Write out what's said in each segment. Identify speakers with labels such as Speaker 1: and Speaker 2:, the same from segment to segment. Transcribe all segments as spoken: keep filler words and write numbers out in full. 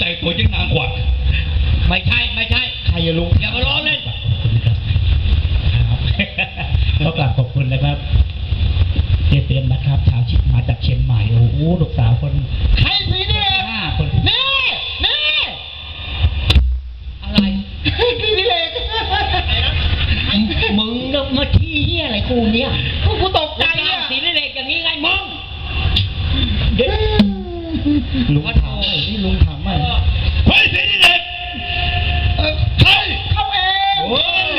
Speaker 1: แต่งตัวยังนางกวักไม่ใช่ไม่ใช่ใครอย่าลุงอย่ามาล้อเล่นก็กราบขอบคุณนะครับเจเต็มนะครับชาวชิมาจากเชียงใหม่โอ้โหลูกสาวคนใครสีนี่ห้าคนนี่นี่อะไรสีนี่เลยมึงก็มาที่เฮียอะไรกูเนี่ยกูตกใจอ่ะสีนี่เล็กอย่างนี้ไงมึงลุงถามไอ้นี่ลุงถามว่าใครสีนี่เล็กใครเข้าเองโอ้ย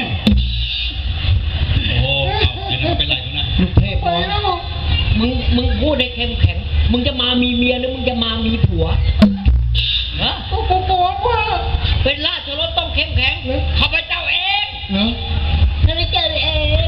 Speaker 1: โอ้เอาเป็นไรกันนะลูกเทพเลยมึงมึงพูดได้เข้มแข็งมึงจะมามีเมียหรือมึงจะมามีผัวฮะกูกูกลัวว่าเป็นราชรสต้องเข้มแข็งข้าพเจ้าเองเนาะข้าพเจ้าเอง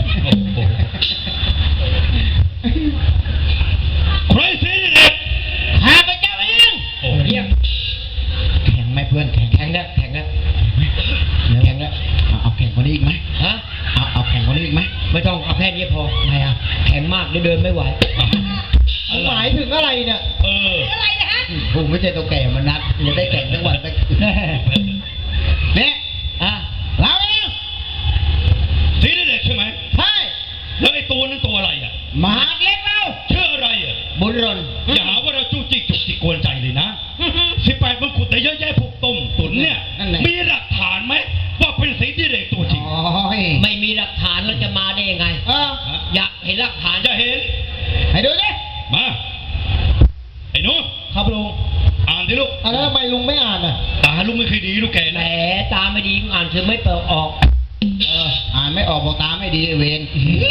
Speaker 1: ใครสิเนี่ยข้าพเจ้าเองโอ้เยี่ยมแข็งไหมเพื่อนแข็งแข็งแล้วแข็งแล้วแข็งแล้วเอาแข็งกว่านี้อีกไหมฮะเอาเอาแข็งกว่านี้อีกไหมไม่ต้องเอาแค่นี้พอทำไมอ่ะแข็งมากเดินไม่ไหวหมายถึงอะไรเนี่ยเอออะไรนะฮะผมไม่ใช่ตัวแก่มันนัดจะได้แข่งทั้งวันไปเนี่ยอ่ะเราเองสีเด็กใช่ไหมใช่แล้วไอ้ตัวนั้นตัวอะไรอ่ะมหาเล็กเราชื่ออะไรอ่ะบุญรนอย่าหาว่าเราจู้จี้จุกจิกกวนใจเลยนะสิบแปดมันขุดแต่เยอะแยะพวกต้มตุ๋นเนี่ยมีหลักฐานไหมว่าเป็นสีเด็กตัวจริงไม่มีหลักฐานแล้วจะมาได้ยังไงอยากเห็นหลักฐานจะเห็นให้ดูดิมาไอ้หนูครับลุงอ่านดิลูกอ่านแล้วทำไมลุงไม่อ่านอ่ะตาลุงไม่เคยดีลูกแกแหมตาไม่ดีอ่านคือไม่เปิดออกเอออ่านไม่ออกบอกตาไม่ดีเวร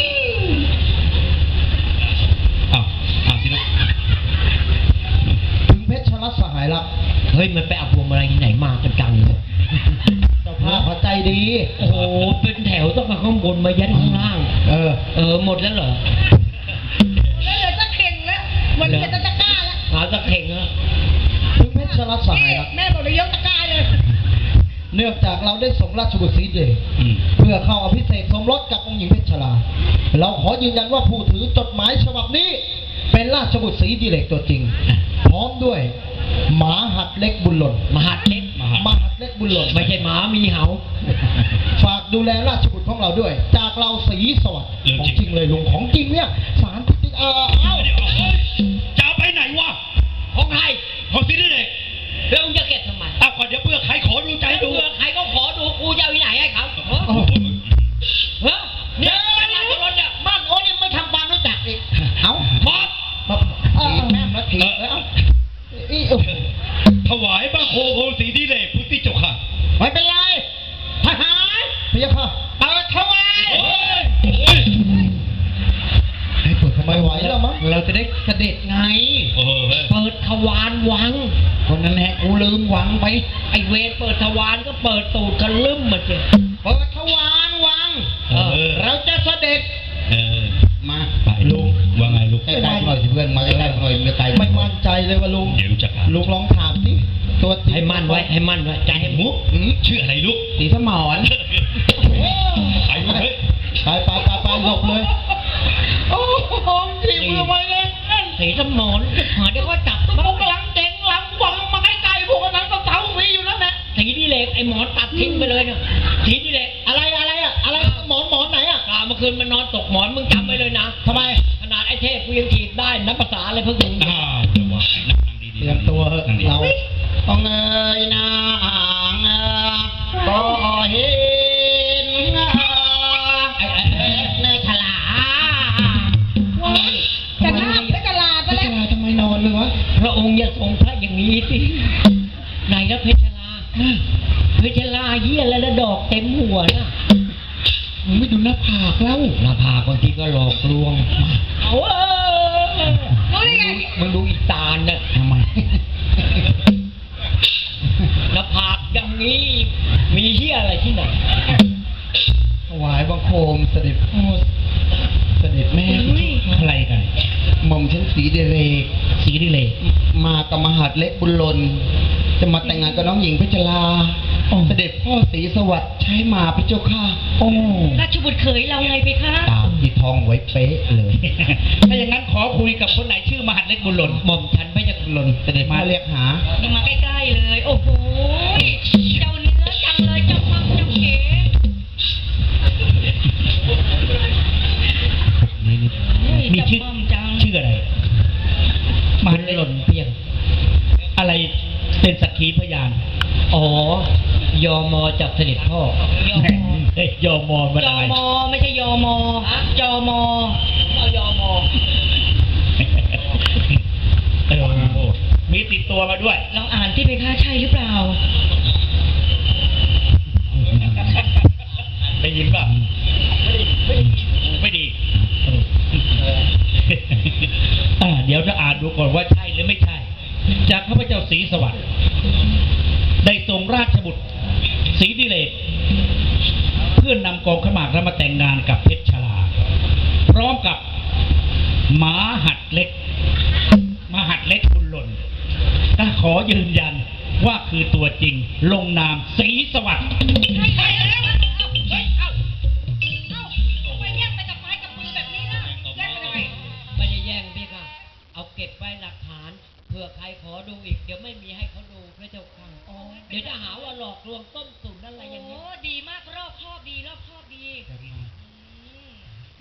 Speaker 1: อ้าวอ่านสิลูกถึงเพชรรัตน์สหายรักเฮ้ยมันไปเอาพวงมาลัยที่ไหนมากันจังเลยเจ้าภาพเขาใจดีโอ้โหเป็นแถวต้องมาข้างบนมายันข้างล่างเออเออหมดแล้วเหรอแล้วเหลือตะเข่งแล้วมันเหลือตะกร้าแล้วหาตะเข่งแล้วถึงเพชรรัตน์สหายรักแม่บอกเลยยกตะกร้าเลยเนื่องจากเราได้ส่งราชบุตรสีเดชเพื่อเข้าอภิเษกสมรสกับองค์หญิงเพชรลาเราขอยืนยันว่าผู้ถือจดหมายฉบับนี้เป็นราชบุตรสีดิเรกตัวจริงพร้อมด้วยหมาหัดเล็กบุญหล่นมหัดเล็กมหัดเล็กบุญหล่นไม่ใช่หมามีเหาฝากดูแลราชบุตรของเราด้วยจากเราสีสวัสดิ์ของจริงเลยลุงของจริงเนี่ยสารจริงเออเอ้าจะไปไหนวะของใครของสีดิเรกแล้วมึงจะเก็บทำไมอ้าวก่อนเดี๋ยวเพื่อใครขอดูใจดูเพื่อใครก็ขอดูกูจะเอาที่ไหนให้เขาเฮ้ยเนี่ยราชรถเนี่ยบ้านโอ้ยไม่ทำความรู้จักอีกเอ้าหมดถีบแม่มาถีบแล้วถวายบังคมองค์ศรีดิเรกพุทธิเจ้าค่ะไม่เป็นไรทหารพยาค่ะเปิดถวายให้เปิดทำไมไหวแล้วมั้งเราจะได้เสด็จไงเปิดทวารวังคนนั้นแหละกูลืมวังไปไอเวรเปิดทวารก็เปิดตูดกันลืมมาเจอเปิดทวารวังเราจะเสด็จมาไปลุงว่าไงลุงใกล้ๆหน่อยสิเพื่อนมาใกล้ๆหน่อยไม่ไกลไม่มั่นใจเลยว่าลุงเดี๋ยวจะลุงลองถามสิตัวจริงให้มั่นไว้ให้มั่นไว้ใจให้มุกชื่ออะไรลูกสีสมรไปเลยไปไปไปไปหลบเลยโอ้โหสีมือไปเลยสีสมรหาเดี๋ยวก็จับพวกหลังเจ๋งหลังวังมาใกล้ๆพวกนั้นก็เท้ามีอยู่แล้วแหละสีดิเรกไอหมอนตัดทิ้งไปเลยเนี่ยสีดิเรกอะไรอะไรอะอะไรหมอนหมอนไหนอะเมื่อคืนมันนอนตกหมอนมึงจำไปเลยนะทำไมขนาดไอ้เทพกูยังถีบได้นับภาษาอะไรเพิ่งรู้อ่าเดี๋ยวว่านั่งดีๆเตรียมตัวเราต้องเงยหน้าห่างก็เห็นไอ้ไอ้เนยฉลาจะทำเพชรลาไปแล้วเพชรลาทำไมนอนเลยวะพระองค์อย่าทรงพระอย่างนี้สิไหนแล้วเพชรลาเพชรลาเยี่ยแล้วดอกเต็มหัวนะมึงไม่ดูหน้าผากแล้วหน้าผากบางทีก็หลอกลวงเอาเออรู้ได้ไงมึงดูอีตาลเนี่ยทำไมหน้าผากอย่างนี้มีเหี้ยอะไรที่ไหนถวายบังคมเสด็จพ่อเสด็จแม่อะไรกันหม่อมฉันสีดิเรกสีดิเรกมากับมหาดเล็กบุญหล่นจะมาแต่งงานกับน้องหญิงเพชรลาเสด็จพ่อศรีสวัสดิ์ใช้มาพระเจ้าค่ะโอ้ราชบุตรเขยเราไงไปคะตามที่ท่องไว้เป๊ะเลย
Speaker 2: ถ้าอย่างนั้นขอคุยกับคนไหนชื่อมหัดเล็กบุญหล่น
Speaker 1: หม่อมฉันไม่จะหล่นเสด็จมาเรียกหา
Speaker 3: นี่มาใกล้ๆเลย โอ้โหเจ้าเนื้อจังเลยเจ้ามังเจ้าเก๋
Speaker 2: มีชื่อชื่ออะไรมหัดเล็กหล่นเพียงอะไรเป็นสักขีพยาน
Speaker 1: อ๋อยอมอจากเสด็จพ่อย
Speaker 3: อมอ
Speaker 2: เฮ้ยยอมอนมัน
Speaker 3: ย
Speaker 2: อะ
Speaker 3: อ
Speaker 2: ไร
Speaker 3: มอไม่ใช่ยอมอจอมอเอายอมอ
Speaker 2: เออมีติดตัวมาด้วย
Speaker 3: ลองอ่านที่ไปค่าใช่หรือเปล่า
Speaker 2: ได้ยินป่ะไม่ได้ไม่ได้ไม่ดีเอออ่าเดี๋ยวจะอ่านดูก่อนว่าใช่หรือไม่ใช่ จากข้าพเจ้าศรีสวัสดิ์ได้ทรงราชบุตรศรีดิเลกเพื่อนนำกองขมากแล้วมาแต่งงานกับเพชรชลา พร้อมกับหมาหัดเล็กมหัดเล็กบุญหล่นก็ขอยืนยันว่าคือตัวจริงลงนามศรีสวัสดิ์
Speaker 3: ใช่แล้วเฮ้ย เอ้า เอ้าทำไมแยกไปกับไม้กับมือแบบนี้ล่ะแยกไปทำไม
Speaker 1: ไม่ได้แย่งพี่ค่ะ เอาเก็บไว้หลักฐานเผื่อใครขอดูอีกเดี๋ยวไม่มีให้เขาดูพระเจ้าค่ะเดี๋ยวจะหาว่าหลอกลวงต้มตุ๋นอะไรอย่างนี้
Speaker 3: โอ้ดีมากรอบคอบดีรอบคอบดีอืม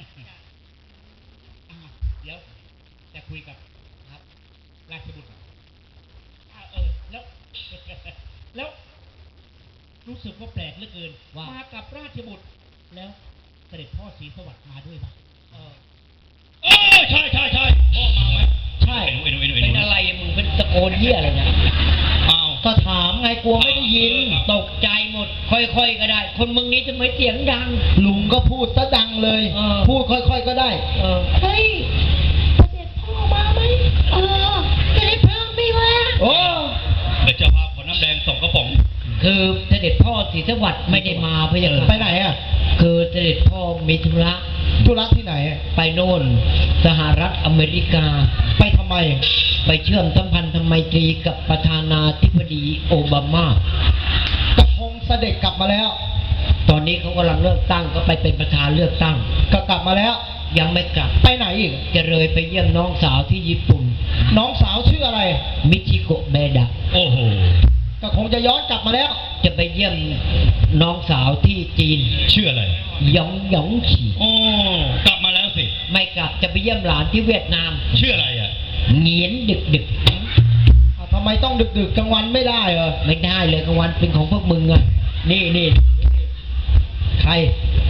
Speaker 2: อ่าเดี๋ยวจะคุยกับครับราชบุตรอ่าเออแล้ว แล้ว รู้สึกว่าแปลกเหลือเกิน
Speaker 1: ว่า
Speaker 2: มากับราชบุตร แล้วเสด็จพ่อศรีสวัสดิ์มาด้วยป่ะ
Speaker 1: เออ
Speaker 2: เออใช่ใช่ใช่พ่อมาไหม
Speaker 1: ใช่
Speaker 2: เอ็นเอ็นเอ็น
Speaker 1: เป็นอะไรมึงเป็นตะโกนเหี้ยอะไรเนี่ย
Speaker 2: อ้าว
Speaker 1: ก็ถามไงกลัวไม่ได้ยิน ตกใจหมด ค่อยๆก็ได้ คนมึงนี้จะไม่เสียงดัง ลุงก็พูดซะดังเลย
Speaker 3: เออ
Speaker 1: พูดค่อยๆก็ได้ เออ
Speaker 3: เฮ้ยเสด็จพ่อมาไหมเออเสด็จพ่อไม่มา
Speaker 1: โอ้
Speaker 2: เดี๋ยวเจ้าภาพขอน้ำแดงส่งกระป๋อง
Speaker 1: คือเสด็จพ่อศรีสวัสดิ์ไม่ได้มาพะยะค่ะไปไหนอ่ะ คือเสด็จพ่อมีธุระ ธุระที่ไหน ไปโน่น สหรัฐอเมริกา ไปทำไม ไปเชื่อมสัมพันธไมตรีกับประธานาธิบดีโอบามาก็คงเสด็จกลับมาแล้ว ตอนนี้เขากำลังเลือกตั้งก็ไปเป็นประธานเลือกตั้ง ก็กลับมาแล้ว ยังไม่กลับ ไปไหนอีก จะเลยไปเยี่ยมน้องสาวที่ญี่ปุ่น น้องสาวชื่ออะไร มิชิโกะเบดะ
Speaker 2: โอ้โห
Speaker 1: ก็คงจะย้อนกลับมาแล้ว จะไปเยี่ยมน้องสาวที่จีน
Speaker 2: ชื่ออะไร
Speaker 1: หยองหยองฉี
Speaker 2: โอ้กลับมาแล้วสิ
Speaker 1: ไม่กลับจะไปเยี่ยมหลานที่เวียดนาม
Speaker 2: ชื่ออะไรอ่ะ
Speaker 1: เหงียนดึกดึกทำไมต้องดึกดึกกลางวันไม่ได้เหรอไม่ได้เลยกลางวันเป็นของพวกมึงอะนี่นี่ใคร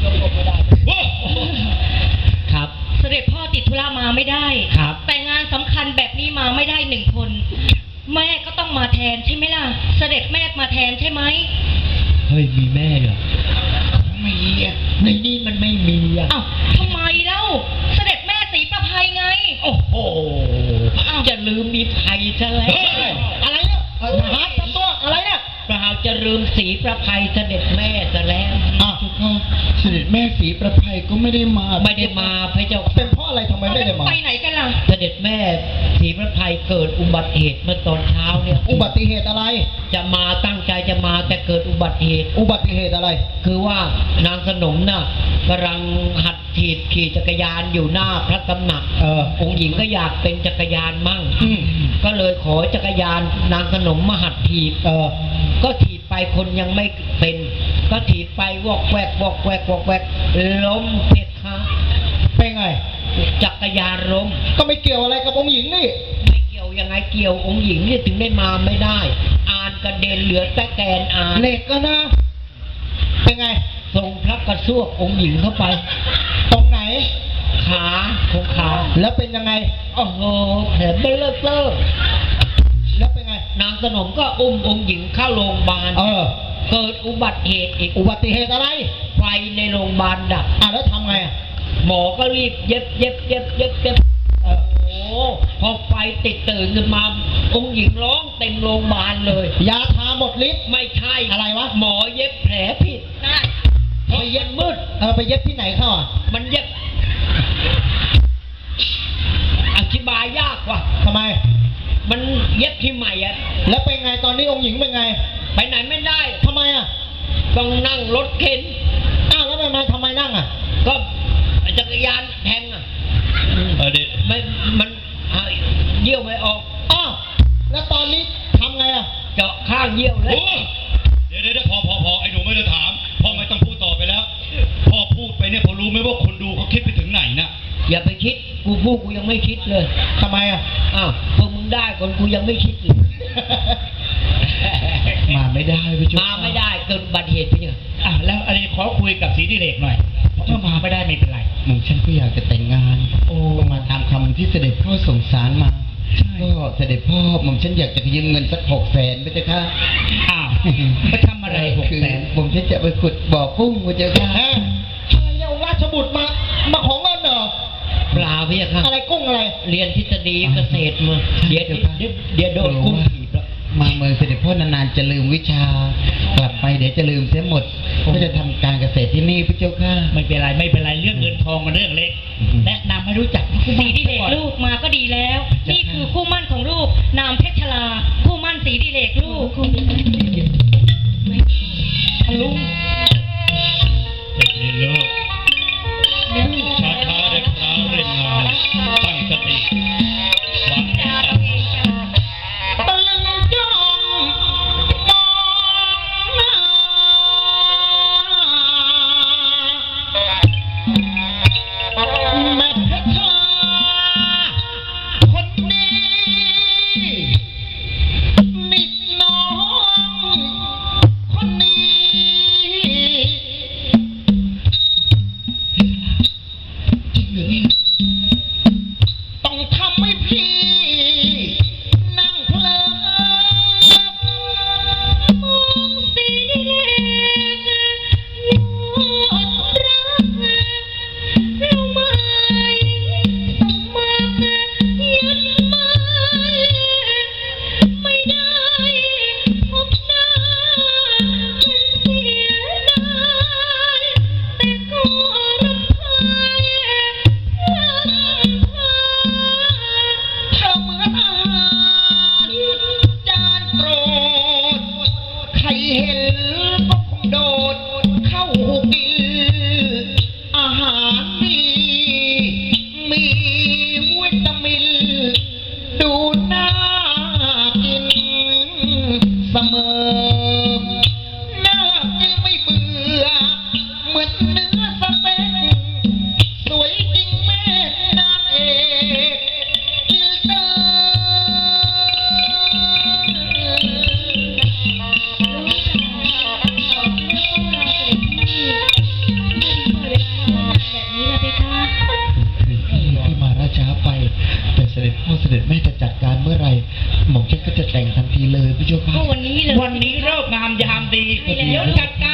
Speaker 1: ครับ
Speaker 3: เสด็จพ่อติดธุระมาไม่ได้
Speaker 1: ครับ
Speaker 3: แต่งานสำคัญแบบนี้มาไม่ได้หนึ่งคน แม่ก็ต้องมาแทนใช่ไหมล่ะ เสด็จแม่มาแทนใช่ไหม
Speaker 1: เฮ้ยมีแม่เหรอไม่มีอะในนี้มันไม่มีอะ
Speaker 3: อ้าวทำไมเล่า เสด็จแม่ศรีประภัยไง
Speaker 1: โอ้โหจะลืมมีภัยซะแล้ว อะไรเนี่ยเออทหารทำตัวอะไรเนี่ยเปล่าจะลืมสีประภัยเสด็จแม่ซะแล้ว
Speaker 4: อ้าวเสด็จแม่ศรีประภัยก็ไม่ได้มา
Speaker 1: ไม่ได้มาพระเจ้าเป็นเพราะอะไรทำไมไม่ได้มา
Speaker 3: ไปไหนกันล่ะ
Speaker 1: เสด็จแม่ศรีประภัยเกิดอุบัติเหตุเมื่อตอนเช้าเนี่ย อุบัติเหตุอะไร จะมาตั้งใจจะมาแต่เกิดอุบัติเหตุ อุบัติเหตุอะไร คือว่านางสนมน่ะกำลังหัดถีบขี่จักรยานอยู่หน้าพระตำหนัก เออองค์หญิงก็อยากเป็นจักรยานมั่ง
Speaker 4: อืม
Speaker 1: ก็เลยขอจักรยานนางสนมมาหัดถีบ เออ ก็ถีบไปคนยังไม่เป็น ก็ถีบไปวอกแวกวอกแวกวอกแวกล้มเพชรค่ะเป็นไง จักรยานล้ม ก็ไม่เกี่ยวอะไรกับองค์หญิงนี่ ไม่เกี่ยวยังไงเกี่ยวองค์หญิงนี่ถึงได้มาไม่ได้ อ่านกระเด็นเหลือแต่แกนอ่านเหล็กก็นะ เป็นไงส่งพระกระซวกองค์หญิงเข้าไป ตรงไหน ขาของขา แล้วเป็นยังไงโอ้โหแผลเบลเลอร์เตอร์แล้วเป็นไง นางสนมก็อุ้มองค์หญิงเข้าโรงพยาบาล เออ เกิดอุบัติเหตุอีก อุบัติเหตุอะไร ไฟในโรงพยาบาลดับ อ่ะแล้วทำไงอ่ะ หมอก็รีบเย็บเย็บเย็บเย็บเย็บเออโอ้โหพอไฟติดตื่นขึ้นมา องค์หญิงร้องเต็มโรงพยาบาลเลย ยาทาหมดฤทธิ์ไม่ใช่ อะไรวะ หมอเย็บแผลผิดนะไปเย็บมืด เออไปเย็บที่ไหนเข้าอ่ะ มันเย็บ อธิบายยากว่ะทำไม มันเย็บที่ใหม่อะแล้วเป็นไงตอนนี้องค์หญิงเป็นไง ไปไหนไม่ได้ทำไมอ่ะ ต้องนั่งรถเข็น อ้าวแล้วทำไมทำไมนั่งอ่ะ ก็ไอจักรยานแทงอ่ะ
Speaker 2: เออเดี๋ยว
Speaker 1: ไม่มันอ่ะเยี่ยวไม่ออก
Speaker 4: อ้าวแล้วตอนนี้ทำไงอ่ะ
Speaker 1: เจาะข้างเยี่ยวเล
Speaker 2: โอ้
Speaker 1: ย
Speaker 2: เดี๋ยวเดี๋ยวเดี๋ยวพอพอพอไอ้หนูไม่ได้ถามพ่อไม่ต้องพูดต่อไปแล้วพ่อพูดไปเนี่ยพอรู้ไหมว่าคนดูเขาคิดไปถึงไหนนะ
Speaker 1: อย่าไปคิดกูพูดกูยังไม่คิดเลย
Speaker 4: ทำไมอ่ะ
Speaker 1: อ้าวพวกมึงได้คนกูยังไม่คิดเลย
Speaker 4: มาไม่ได้พี่จุ๊บ
Speaker 1: มาไม่ได้เกิดอุบัติเหตุไปเนี่ย
Speaker 2: อ่ะแล้วอะไรขอคุยกับสีดิเรกหน่อยถ้ามาไม่ได้ไม่เป็นไร
Speaker 4: หม่อมฉันก็อยากจะแต่งงาน
Speaker 2: โอ้
Speaker 4: ก็มาตามคำที่เสด็จพ่อส่งสารมา ก็เสด็จพ่อหม่อมฉันอยากจะยืมเงินสักหกแสนไปเจ้าค่ะ
Speaker 2: อ้าวไปทำอะไรหก
Speaker 4: คือ
Speaker 2: แสน
Speaker 4: ผมฉันจะไปขุดบ่อกุ้งไปเจ้าค่ะ
Speaker 1: อะไรเอาราชบุตรมามาของเงินเหรอเปล่าพี่ค่ะ
Speaker 4: อะไรกุ้งอะไร
Speaker 1: เรียนทฤษฎีเกษตรมาเดี๋ยวเดี๋ยวเดี๋ยวเดี๋ยวโดนกุ้งถีบแล้ว
Speaker 4: มาเมืองเสด็จพ่อนานๆจะลืมวิชา กลับไปเดี๋ยวจะลืมเสียหมด ก็จะทำการเกษตรที่นี่พระเจ้าค่ะ
Speaker 2: ไม่เป็นไรไม่เป็นไรเรื่องเงินทองมันเรื่องเล็ก
Speaker 4: อือฮึ
Speaker 2: แนะนำให้รู้จักคู่
Speaker 3: สี
Speaker 2: บ้าน
Speaker 3: ดิเลกลูกมาก็ดีแล้ว นี่คือคู่มั่นของลูก นามเพชรชลา คู่มั่นสีดิเลกลูก
Speaker 2: ลุงนี่ลูกช้าช้าๆได้พระเล่นงานตั้งสติวางแผน
Speaker 4: ตะลึงจ้องมองหน้าแม่เพชรคนดีนิดน้องคนนี้จริงหรือเนี่ยต้องทำให้พี่ นั่งเพลิน
Speaker 3: มองสีดิเลกหมดรักเราไม่สมัครยึดมั่นไม่ได้พบหน้าเป็นเสียดายแต่ก็รำคาญรำคาญ
Speaker 4: เธอเหมือนอาหารจานโปรด ใครเห็นก็คงโดด เข้าหูกิน อาหารดีมีวิตามิน ดูน่ากินเสมอ น่ากินไม่เบื่อ เหมือนเนื้อสเต็ก สวยจริงแม่นางเอกอินเตอร์ คือพี่พี่มาราช้าไป แต่เสด็จพ่อเสด็จแม่จะจัดการเมื่อไหร่หม่อมฉันก็จะแต่งทันทีเลยพี่เจ้าค่ะ
Speaker 3: ก็วันนี้เลย
Speaker 2: วันนี้เลิกงามยามดี
Speaker 3: ใช่แล้ว
Speaker 2: เดี๋ยวจัดการ